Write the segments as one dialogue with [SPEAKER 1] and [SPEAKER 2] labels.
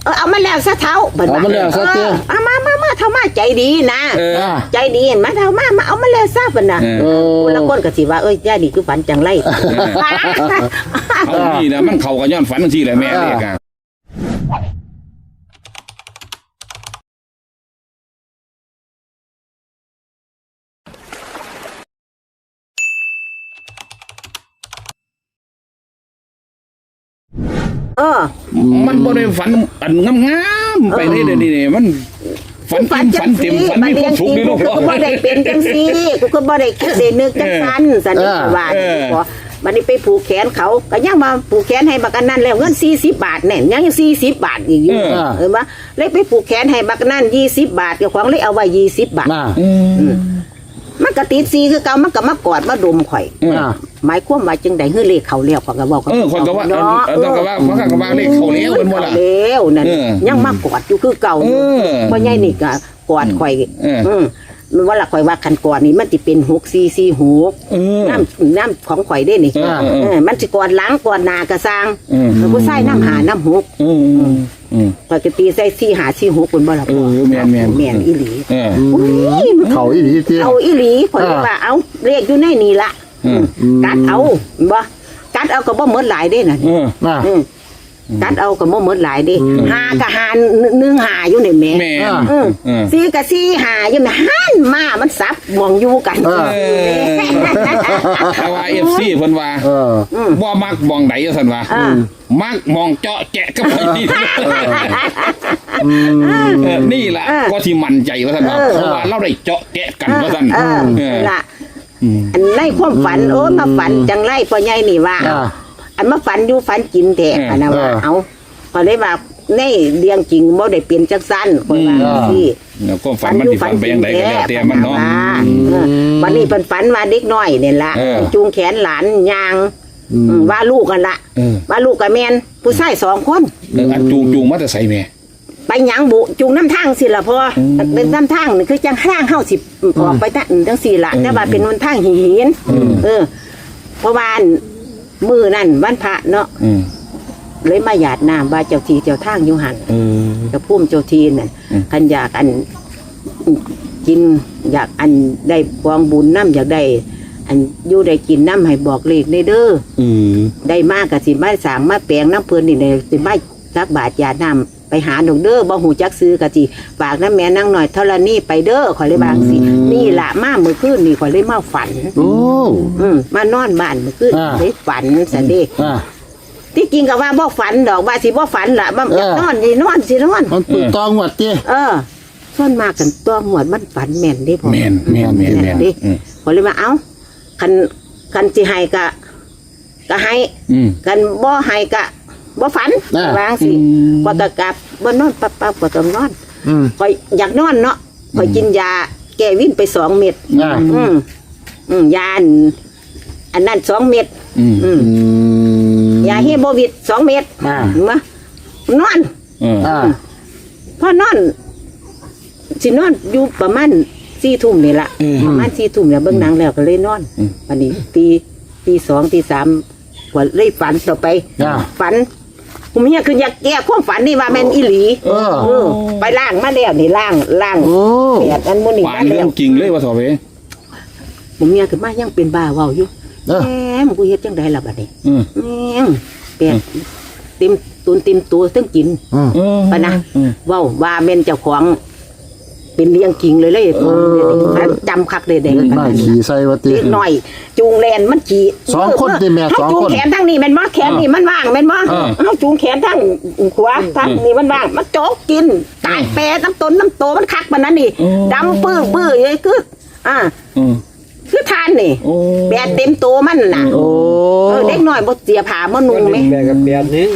[SPEAKER 1] เอามาแล้วซะเท้า
[SPEAKER 2] เอามาแล้วซะเจ้า
[SPEAKER 1] มาเท่ามาใจดีนะใจดีเห็นไหมเท่ามาเอามาแล้วซะเป็นนะแล้วคนก็สิว่าย่าดีคือฝันจังไร
[SPEAKER 3] เอาดีนะมันเข่ากับย้อนฝันที่แหละแม่เรียกกันมันบ่ได้ฝันอันงามๆไปนี่มันฝันเต็มฝันมีความสุขนี่ลูก
[SPEAKER 1] กูบ่ได้เป็นจังซี่กูก็บ่ได้คิดได้นึกจังซั่นสันนิษฐานบัดนี้ไปผูกแขนเขาก็ยังมาผูกแขนให้บักอันนั้นแล้วเงิน40 บาทแน่ยัง40 บาทอีกอยู่ว่าเลยไปผูกแขนให้บักนั้น20 บาทเจ้าของเลยเอาไว้20 บาทมันก็ติดซีคือเก่ามันก็มากอดมาดมข่อยหมายความว่าจังได๋ฮือเลขเขาแล้วก็บอก
[SPEAKER 3] คนก็ว่าต้องก็ว่าเพราะก็ว่าเลขเขาแล้วมันบ่ล่ะ
[SPEAKER 1] แล้วนั่นยังมากอดอยู่คือเก่าบ่ใหญ่นี่ก็กอดข่อยมันว่าละข่อยว่าคันก่อนนี่มันสิเป็น6446น้ำของข่อยได้นี่มันสิกอดหลังกอดหน้าก็สร้างผู้ชายน้ำ5น้ำ6ปกติใส่4546เพิ่นบ่ล่ะ
[SPEAKER 3] แม่น
[SPEAKER 1] อีหลี
[SPEAKER 2] เขาอีหลีติ
[SPEAKER 1] เอาอีหลีข่อยว่าเอาเลขอยู่ในนี่ล่ะกัดเอาบ่กัดเอาก็บ่หมดหลายเด้น่ะกัดเอาก็บ่หมดหลายเด้5ก็1 5อยู่นี่แม่4ก็4 5อยู่แม่หันมามันซับมองอยู่กัน
[SPEAKER 3] แต่ว่า FC เพิ่นว่าบ่มักมองใดซั่นว่ามักมองเจาะแจะกับไผนี่ล่ะก็ที่มั่นใจว่าซั่นว่าเพราะว่าเราได้เจาะแจะกันว่าซั่นล่ะอันในความฝันมาฝันจังไรพ่อใหญ่นี่ว่าอันมาฝันอยู่ฝันกินแท้อันนั้นว่าเอาพอเลยว่าในเรื่องจริงบ่ได้เปลี่ยนจังซั่นคนว่าที่ก็ฝันมันสิฝันไปยังไดก็แล้วแต่มันเนาะวันนี้เพิ่นฝันว่าเด็กน้อยนี่ล่ะจูงแขนหลานย่างว่าลูกกันละว่าลูกกับแม่นผู้ชาย2 คนอันจูงมาแต่ไสแม่ไปหยังบุจูงน้ำทางสิล่ะพ่อเป็นน้ำทางนี่คือจังทางเฮาสิออกไปจังสี่ล่ะแต่ว่าเป็นวันทางหินเพราะว่ามือนั่นวันพระเนาะเลยมาหยาดน้ำว่าเจ้าทีเจ้าทางอยู่หันจะพุ่มเจ้าทีนั่นคันอยากอันกินอยากอันได้กองบุญน้ำอยากได้อันอยู่ได้กินน้ำให้บอกเลขในเด้อได้มากกับสิมาสางมาแปลงน้ำเพลินนี่ในสิมาสักบาทหยาดน้ำไปหาดอกเด้อบ่หูจักซื้อกะจิฝากน้ำแม่นั่งหน่อยเท่าละนี่ไปเด้อขอเลยบางสินี่ละมาเมื่อคืนนี่ขอเลยมาฝันมานอนบ้านเมื่อคืนเลยฝันสันเดที่จริงก็ว่าบ่ฝันดอกว่าสิบ่ฝันละบ่อยากนอนสินอน
[SPEAKER 2] มันปืนตองหวดเจ้
[SPEAKER 1] ส่วนมากกันตัวหวดมันฝันแม่นดิพ่อ
[SPEAKER 3] แม่น
[SPEAKER 1] ดิขอเลยมาเอาคันสิให้ก็ให้กันบ่ให้ก็บ่ฝันวางสิพอตะกลับบ่นอนปั๊บก็ต้องนอนข่อยอยากนอนเนาะข่อยกินยาแก้วินไป2 เม็ดยาอันนั้น2 เม็ดยาเฮโบวิด2 เม็ดมานอนพอนอนสินอนอยู่ประมาณ4 ทุ่มนี่ล่ะประมาณ4 ทุ่มเนี่ยเบิ่งหนังแล้วก็เลยนอนวันนี้ตี 2 ตี 3ก็เลยฝันต่อไปฝันผมเนี่ยคืออยากแก้ความฝันนี่ว่าแม่นอีหลีไปล่างมาแล้วนี่ล่างแปดอันมื้อนี้
[SPEAKER 3] มาแล้วจริงเลยว่าถอเว
[SPEAKER 1] ผมเนี่ยคือมายังเป็นบ้าเว้าอยู่แหมกูเฮ็ดจังได๋ล่ะบัดนี้แปดเต็มตัวทั้งกินปะนะเว้าว่าแม่นเจ้าของเป็นเลี้ยงกิ่งเลยจำคักเลยเด็ก
[SPEAKER 2] มาขี่ใส่วัติ
[SPEAKER 1] หน่อยจูงแลนมันขี่
[SPEAKER 2] 2 คนที่แม่2 คน
[SPEAKER 1] จูงแขนทั้งนี้แม่นบ่แขนนี่มันว่างแม่นบ่เขาจูงแขนทั้งขวาทั้งนี้มันว่างมันโจกกินตายแปรน้ำโตมันคักมันนั่นนี่ดำปื้อเลยคือทานนี่แปดเต็มโตมันน่ะเด็กหน่อยบ่เสียผ้าบ่นุ่งไหม
[SPEAKER 4] แปดกับ8 นึง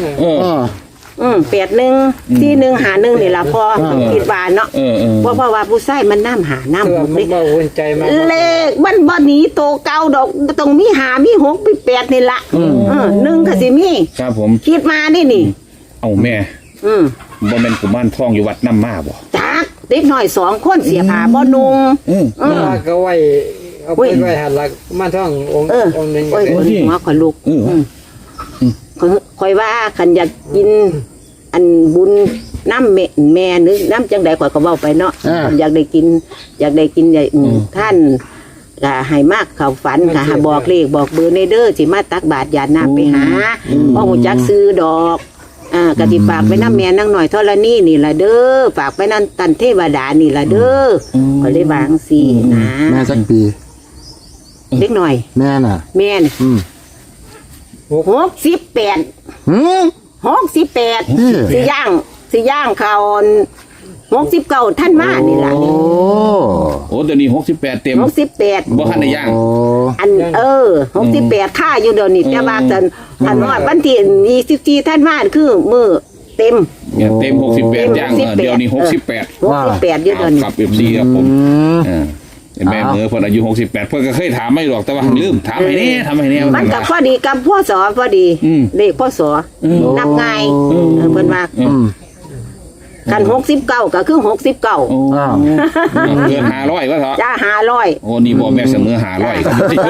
[SPEAKER 1] 81 41 51นี่ล่ะพอคิดว่าเนาะเพราะว่าผู้ชายมันน้ำหาน้ำ
[SPEAKER 4] 6บ่อุ่นใจมาก
[SPEAKER 1] เลขมันบ่หนีโตเก่าดอกต้องมี5มี6มี8นี่ล่ะ1ก็สิมี
[SPEAKER 3] ครับผม
[SPEAKER 1] คิดมานี่
[SPEAKER 3] เอาแม่บ่แม่นกุมารทองอยู่วัดน้ำมาบ่
[SPEAKER 1] จักเด็กน้อย2 คนเสียผ้าบ่นุ่ง
[SPEAKER 4] ก็ไว้เอาไปไว้หันหลักกุมารทององค์นึงก็
[SPEAKER 1] ได้หัวขลุกค่อยว่าคันอยากกินอันบุญน้ำแม่นึกน้ำจังใดข่อยก็เว้าไปเนาะ อยากได้กินท่านก็ให้มากเข้าฝันค่ะบอกเลขบอกเบอร์ในเด้อสิมาตักบาตรญาติน้ำไปหาบ่ฮู้จักซื้อดอกกะสิฝากไปน้ำแม่นางหน่อยธรณีนี่ล่ะเด้อฝากไปนั่นตันเทวดานี่ล่ะเด้อก็เลยวางสินะ
[SPEAKER 2] แม่สักปี
[SPEAKER 1] เล็กหน่อย
[SPEAKER 2] แม่น่ะ
[SPEAKER 1] แม่น68
[SPEAKER 2] หืม
[SPEAKER 1] 68
[SPEAKER 2] นี่
[SPEAKER 1] สิย่างเขา69ท่านมานี่ล่ะ
[SPEAKER 2] โอ้
[SPEAKER 3] โอ้เดี๋ยวนี้68เต็ม
[SPEAKER 1] 68
[SPEAKER 3] บ่ทันได้ย่าง
[SPEAKER 2] โอ้
[SPEAKER 1] อัน68ค่าอยู่เดี๋ยวนี้แต่ว่าอันฮอดวันที่24ท่านมาคือมื้อเต็ม
[SPEAKER 3] เนี่ยเต็ม68ย่างเดี๋ยวนี้68
[SPEAKER 1] 68อยู่เดี๋ยวนี้
[SPEAKER 3] กับ FC ครับผมแม่เมื่อเพิ่นอายุ68เพิ่นก็เคยถามไม่หรอกแต่ว่าลืมถามให้แน่ทำให้แน่
[SPEAKER 1] มันก็พอดีกับพ่อสอพอดีเลขพ่อสอนับง่ายเพิ่นว่ากัน69ก็คือ69
[SPEAKER 3] โอ้เกิน500ว่าเถอะ
[SPEAKER 1] จ้า500
[SPEAKER 3] โอ้นี่บ่แม่เสมอ500ครับ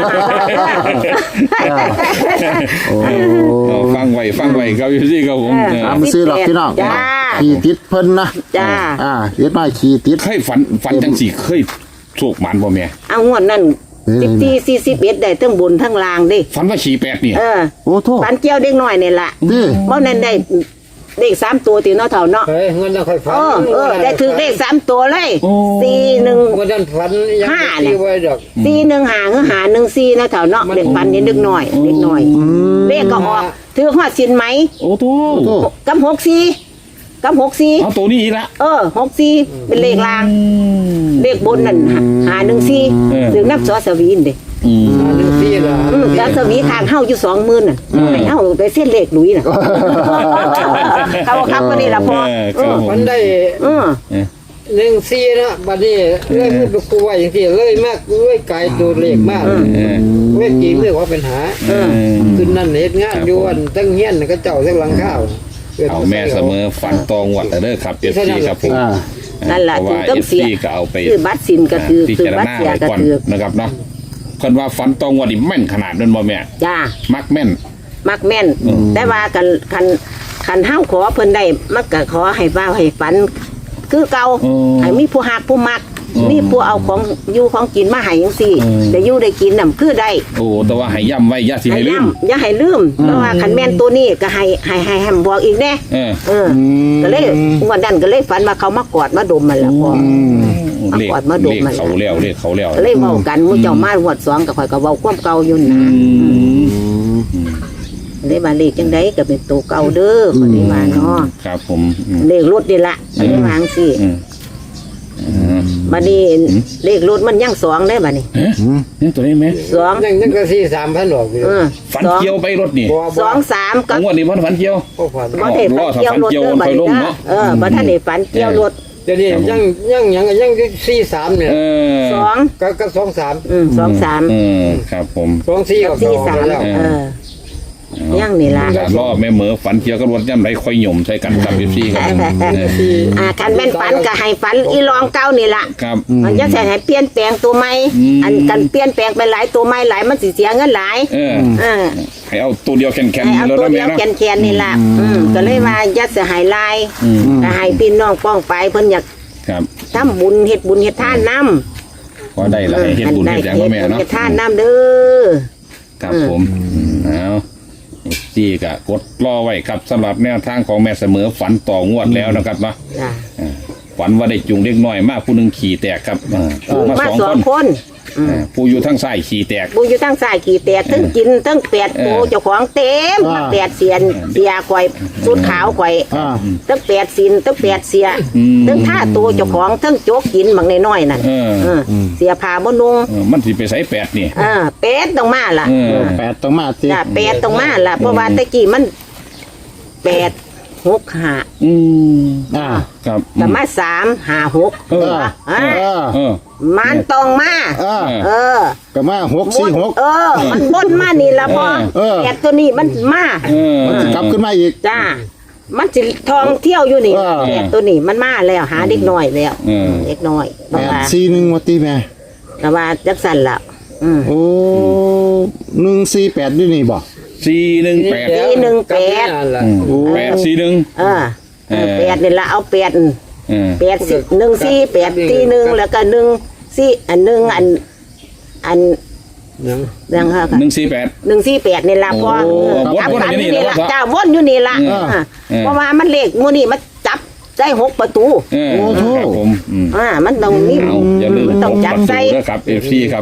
[SPEAKER 3] ฟังไว้ครับอยู่ซี่ครับผม
[SPEAKER 2] มาซื้อหรอกพี่น้อง
[SPEAKER 1] จ้า
[SPEAKER 2] ขี่ติดเพิ่นนะ
[SPEAKER 1] จ้า
[SPEAKER 2] เฮ็ดมาขี่ติด
[SPEAKER 3] เคยฝันจังสี่เคยโชคหมันบ่แม่
[SPEAKER 1] เอางวดนั้น14 41ได้ทั้งบนทั้งล่างเด้
[SPEAKER 3] ฝันว่าขี่8นี่
[SPEAKER 2] โอ้โทษ
[SPEAKER 1] ปันเกี่ยวเด็กน้อยนี่ล่ะ
[SPEAKER 2] นี่
[SPEAKER 1] บ่นั้นได้เลข3ตัวติเนาะเฒ่าเนาะ
[SPEAKER 4] เฮ้ยเงินเราค่อยฝัน
[SPEAKER 1] ได้ถือเลข3ตัวเลย41
[SPEAKER 4] วันนั้นฝันยังไม่ไว้ดอก
[SPEAKER 1] 415หรือ514นะเฒ่าเนาะเด็กปันนี่เด็กน้อยเด็กน้อยเลขก็ออกถือฮอดสินไหม
[SPEAKER 3] โอ้โต
[SPEAKER 1] กับ64กับ64
[SPEAKER 3] เอาตัวนี้อีกละ
[SPEAKER 1] 64เป็นเลขล่างเลขบนนั่น514ถึงนับสอสวีนเด้
[SPEAKER 4] หนึ่งที่ละ
[SPEAKER 1] แล้วสวีทางเฮาอยู่20,000น่ะให้เฮาไปเส้นเลขหลุยน่ะเขาครับก็นี่ล่ะพ่อ
[SPEAKER 4] ฝันได้หนึ่งที่นะบัดนี้เลยพูดไปคุยอย่างที่เลยมากเลยไกลตัวเลขมากเวทีเรียกว่าเป็นหาขึ้นนั่นเฮ็ดงานอยู่วันตั้งเฮียนก็เจ้าทั้งหลังข้าว
[SPEAKER 3] เอาแม่เสมอฝันตองวัดเด้อครับ FC ครับผม
[SPEAKER 1] นั่นล่ะถึงต้องเสีย
[SPEAKER 3] ก็เอาไป
[SPEAKER 1] คือบัตรสินก็คือ
[SPEAKER 3] พิ
[SPEAKER 1] คือ
[SPEAKER 3] จาร
[SPEAKER 1] บัตร
[SPEAKER 3] ณา
[SPEAKER 1] เสีย
[SPEAKER 3] ไว้
[SPEAKER 1] ก็
[SPEAKER 3] ก่อน
[SPEAKER 1] คือ
[SPEAKER 3] นะครับเนาะเพิ่นว่าฝันตองวัดนี่แม่นขนาดนั้นบ่แม่
[SPEAKER 1] จ้า
[SPEAKER 3] มักแม่น
[SPEAKER 1] มักแม่นแต่ว่าคันเฮาขอเพิ่นได้มักก็ขอให้ว่าให้ฝัน คือเก่าให้มีผู้ฮักผู้มักมีผู้เอาของอยู่ของกินมาให้จังซี่ได้อยู่ได้กินน่ะคือได้
[SPEAKER 3] โอ้แต่ว่าให้ย้ำไว้อย่าสิให้ลืม
[SPEAKER 1] อย่าให้ลืมเพราะว่าคันแม่นตัวนี้ก็ให้บอกอีกแน่ก็เลยวันนั้นก็เลยฝันว่าเขามากอดมาดมมันแล้วพ่อ
[SPEAKER 3] เลขเขาแล้วเลขเขาแล้ว
[SPEAKER 1] เลยเว้ากันหมู่เจ้ามาหวด2ก็ข่อยก็เว้าความเก่าอยู่นะเลยว่าเลขจังได๋ก็เป็นตัวเก่าเด้อก็ได้ว่าเนาะ
[SPEAKER 3] ครับผม
[SPEAKER 1] เลขรถนี่ล่ะก็ได้วางสิบัดนี้เลขรถมันยัง2ได้บัดนี้
[SPEAKER 3] นี่ตัวนี้ไหม
[SPEAKER 1] 2
[SPEAKER 4] ยังก็ที่3,000ดอกอยู่
[SPEAKER 3] ฝันเกี่ยวไปรถนี่
[SPEAKER 1] 2 3กับ
[SPEAKER 3] งวดนี้ฝันเกี่ยว
[SPEAKER 4] ก็ฝัน
[SPEAKER 1] บ่ได้ฝันเกี่ยวรถเด้อบัดนี้นะบ่ทันได้ฝันเกี่ยวรถ
[SPEAKER 4] เดี๋ยวนี้ยังที่3เนี่ย
[SPEAKER 1] 2
[SPEAKER 4] ก็2-3
[SPEAKER 1] 2 3
[SPEAKER 3] ครับผม
[SPEAKER 4] 2-4กับ2แล้ว
[SPEAKER 1] ยังนี่ล่ะ
[SPEAKER 3] รอบแม่เหมือฝันเกี่ยวกับรถย่ำไรค่อยหย่มใส่กันกับพี่ครับ
[SPEAKER 1] คันแม่นฝันก็ให้ฝันอีรองเก่านี่ล่ะ
[SPEAKER 3] ครับ
[SPEAKER 1] มันจะใส่ให้เปลี่ยนแปลงตัวใหม่อันกันเปลี่ยนแปลงไปหลายตัวใหม่หลายมันสิเสียเงินหลาย
[SPEAKER 3] ให้เอาตัวเดียวแข็งๆ
[SPEAKER 1] เอา
[SPEAKER 3] แล้ว
[SPEAKER 1] ตัว
[SPEAKER 3] นะ
[SPEAKER 1] เดี
[SPEAKER 3] แม่
[SPEAKER 1] ยว
[SPEAKER 3] เนาะ
[SPEAKER 1] แคนๆนี่ล่ะก็เลยว่ายัดเสียหายลายก็ให้พี่น้องป้องไปเพิ่นอยาก
[SPEAKER 3] ครับ
[SPEAKER 1] ทำบุญเฮ็ดบุญเฮ็ดทานนำ
[SPEAKER 3] ก็ได้ละให้เฮ็ดบุญเฮ็ดอย่างก็แม่เนาะ
[SPEAKER 1] เฮ็ดทานนำเด้อ
[SPEAKER 3] ครับผมเอาจี้กะกดรอไว้ครับสำหรับแนวทางของแม่เสมอฝันต่องวดแล้วนะครับเนาะ
[SPEAKER 1] จ้ะ
[SPEAKER 3] ฝันว่าได้จูงเด็กน้อยมากผู้หนึ่งขี่แตกครับมา
[SPEAKER 1] มา
[SPEAKER 3] สอง
[SPEAKER 1] 2
[SPEAKER 3] ค
[SPEAKER 1] คน น
[SPEAKER 3] ผู้อยู่ทางซ้ายขี่แตก
[SPEAKER 1] บุญอยู่ทางซ้ายขี่แตกทั้งกินทั้งแปดโตเจ้าของเต็มทั้งแปดเสียนเสียข่อยสุดขาวข่อยทั้งแปดสินทั้งแปดเสียทั้งท่าตัวเจ้าของทั้งโจกกินบางน้อยๆนั่นเสียผ้าบ่นุ่ง
[SPEAKER 3] มันสิไปใส่8นี่
[SPEAKER 1] เป็ดต้องมาล่ะ
[SPEAKER 2] 8ต้องมาสิ
[SPEAKER 1] จ้ะเป็ดต้องมาล่ะเพราะว่าตะกี้มัน8-6-5
[SPEAKER 3] ครับ
[SPEAKER 1] แต่มา3-5-6มันต้องมา
[SPEAKER 2] ก็มา646
[SPEAKER 1] มันบนมานี่ล่ะพ่อแปดตัวนี้มันมา
[SPEAKER 2] มันสิกลับขึ้นมาอีก
[SPEAKER 1] จ้ามันสิท่องเที่ยวอยู่นี่แปดตัวนี้มันมาแล้วหาเด็กน้อยแล้วเด็กน้อยบอกว่า
[SPEAKER 2] 841ว่าติแม่
[SPEAKER 1] ก็ว่าจักสั่นล่ะ
[SPEAKER 2] โอ้148นี่นี่บ่
[SPEAKER 3] 418
[SPEAKER 1] 418
[SPEAKER 4] โอ้
[SPEAKER 3] 841
[SPEAKER 1] แปดนี่ละเอาแปด
[SPEAKER 3] เออ
[SPEAKER 1] 8 1 4 8 4 1แล้วก็1 4อัน1อัน
[SPEAKER 4] ยัง
[SPEAKER 1] ยังค่ะ
[SPEAKER 3] 148
[SPEAKER 1] 148นี่ละพอ
[SPEAKER 3] โอ้วน
[SPEAKER 1] จับ
[SPEAKER 3] วน
[SPEAKER 1] กัน
[SPEAKER 3] อยู่นี่
[SPEAKER 1] นี่
[SPEAKER 3] แล้
[SPEAKER 1] ละ
[SPEAKER 3] วครับ
[SPEAKER 1] จ้าวนอยู่นี่ละเพราะว่ามันเลขมื้อนี้มันจับได้6ประตู
[SPEAKER 3] เออครับผม
[SPEAKER 1] มันต้องมี
[SPEAKER 3] เอาอย่าลืม
[SPEAKER 1] มันต้องจับใส่
[SPEAKER 3] ด้วยครับ FC ครับ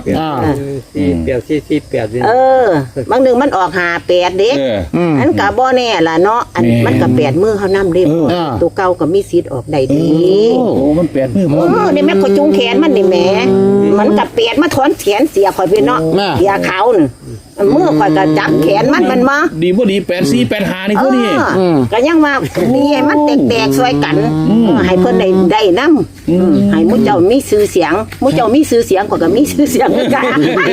[SPEAKER 4] 4 8
[SPEAKER 1] เออบางหนึ่งมันออก58เด้
[SPEAKER 3] เออ
[SPEAKER 1] อันก็บ่แน่ล่ะเนาะอัน
[SPEAKER 3] แม่
[SPEAKER 1] มันก็8มื้อเฮานำเด้ ตัวเก่าก็มีสิทธิ์ออกได้ดี
[SPEAKER 3] โอ้มัน8มื้อบ่
[SPEAKER 1] นี่แม่ก็จุงแขนมันนี่แหมมันก็8มาถอนแขนเสียข่อยไปเนาะเสียเขาน่ะมือข่อยก็จับแขนมันมา
[SPEAKER 3] ดีบ่ดี84 85นี่พอดี
[SPEAKER 1] ก็ยังว่านี่ให้มันแตกๆช่วยกันให้เพิ่นได้นำให้หมู่เจ้ามีชื่อเสียงหมู่เจ้ามีชื่อเสียงข่อยก็มีชื่อเสียงเหมือนกัน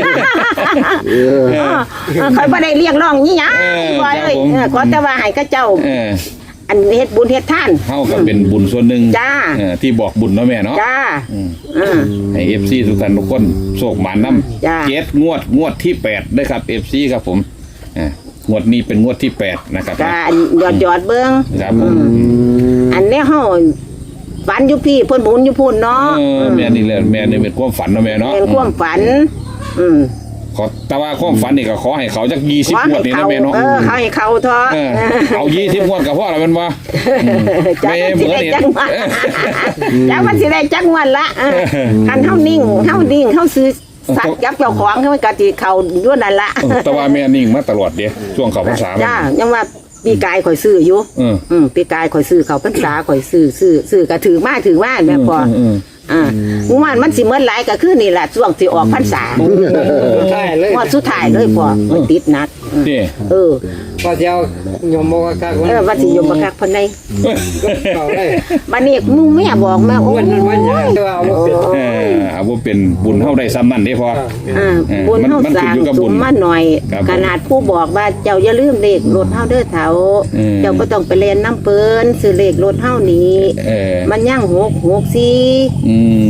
[SPEAKER 1] ข่อยบ่ได้เรียกร้องอีหยังว่าเอ้ยขอแต่ว่าให้เขาเจ้า
[SPEAKER 3] เออ
[SPEAKER 1] อันเฮ็ดบุญเฮ็ดทาน
[SPEAKER 3] เฮาก็เป็นบุญส่วนหนึ่ง
[SPEAKER 1] จ้า
[SPEAKER 3] ที่บอกบุญเนาะแม่เนาะ
[SPEAKER 1] จ้า
[SPEAKER 3] ให้ FC ทุกท่านทุกคนโชคหมานนำ
[SPEAKER 1] จ้า
[SPEAKER 3] งวดที่8ด้วยครับ FC ครับผมงวดนี้เป็นงวดที่8นะครับ
[SPEAKER 1] จ้าหยอดเบิ่ง
[SPEAKER 3] ครับผม
[SPEAKER 1] อันนี้เฮาฝันอยู่พี่เพิ่นบุญอยู่พุ่นเนาะ
[SPEAKER 3] แม่นี่แหละแม่นี่เป็นความฝันเนาะแม่เนาะ
[SPEAKER 1] เป็นความฝัน
[SPEAKER 3] ขอแต่ว่าความฝันนี่ก็ขอให้เขาจัก20งวดนี่นะแม่เนาะ
[SPEAKER 1] เขาให้เขาเถอะ
[SPEAKER 3] เอา20งวดก็พอแล้วแม่นบ่
[SPEAKER 1] จ้ามันสิได้จังหวัดจ้ามันสิได้จังหวัดละคันเฮานิ่งเฮาซื้อสัตว์ยับเจ้าของเขาก็สิเข้าอยู่นั่นละ
[SPEAKER 3] แต่ว่าแม่นิ่งมาตลอดเด้ช่วงเข้าพรรษา
[SPEAKER 1] จ้ายังว่าปีกายข่อยซื้ออยู่ปีกายข่อยซื้อเขาพรรษาข่อยซื้อก็ถือมาแม่พอมันสิเหมือนหลายก็คือนี่แหละช่วงที่ออกพรรษา
[SPEAKER 4] ใช่เลย
[SPEAKER 1] ว่าสุดท้ายเลยพอมันติดนัก
[SPEAKER 3] นี่
[SPEAKER 4] ก็จะเอายมบอกกักวัน
[SPEAKER 1] ว่าสิยมบักคักเพิ่นได้
[SPEAKER 4] เอาเลย
[SPEAKER 1] บัดนี้มึงแม่บอกมาโอ้
[SPEAKER 4] วันนั้นวันยังเอาเป็น
[SPEAKER 3] เอาบ่เป็นบุญเฮาได้ซ้ำนั่นเด้พอ
[SPEAKER 1] บุญเฮาสร้างสมมาหน่อย ขนาดผู้บอกว่าเจ้าอย่าลืมเลขรถเฮาเด้อเฒ่าเจ้าบ่ต้องไปเล่นน้ำเปิ้นซื้อเลขรถเฮานี้มันยัง664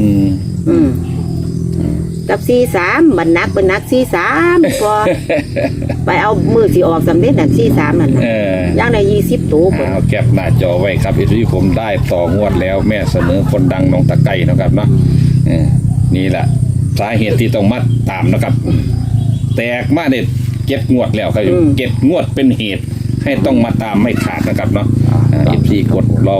[SPEAKER 1] กับ43บัดนักเป็นนัก43พอไปเอามือสิออกสำเร็จน่ะ43นั่นน่ะย่างได้20ตัวพุ่น
[SPEAKER 3] เอาแคปหน้าจอไว้ครับที่ผมได้ต่องวดแล้วแม่เสนอคนดังน้องตะไก่นะครับเนาะนี่แหละสาเหตุที่ต้องมาตามนะครับ แตกมาเนี่ย7 งวดแล้วครับ7 งวดเป็นเหตุให้ต้องมาตามไม่ขาดนะครับเนาะ14กดรอ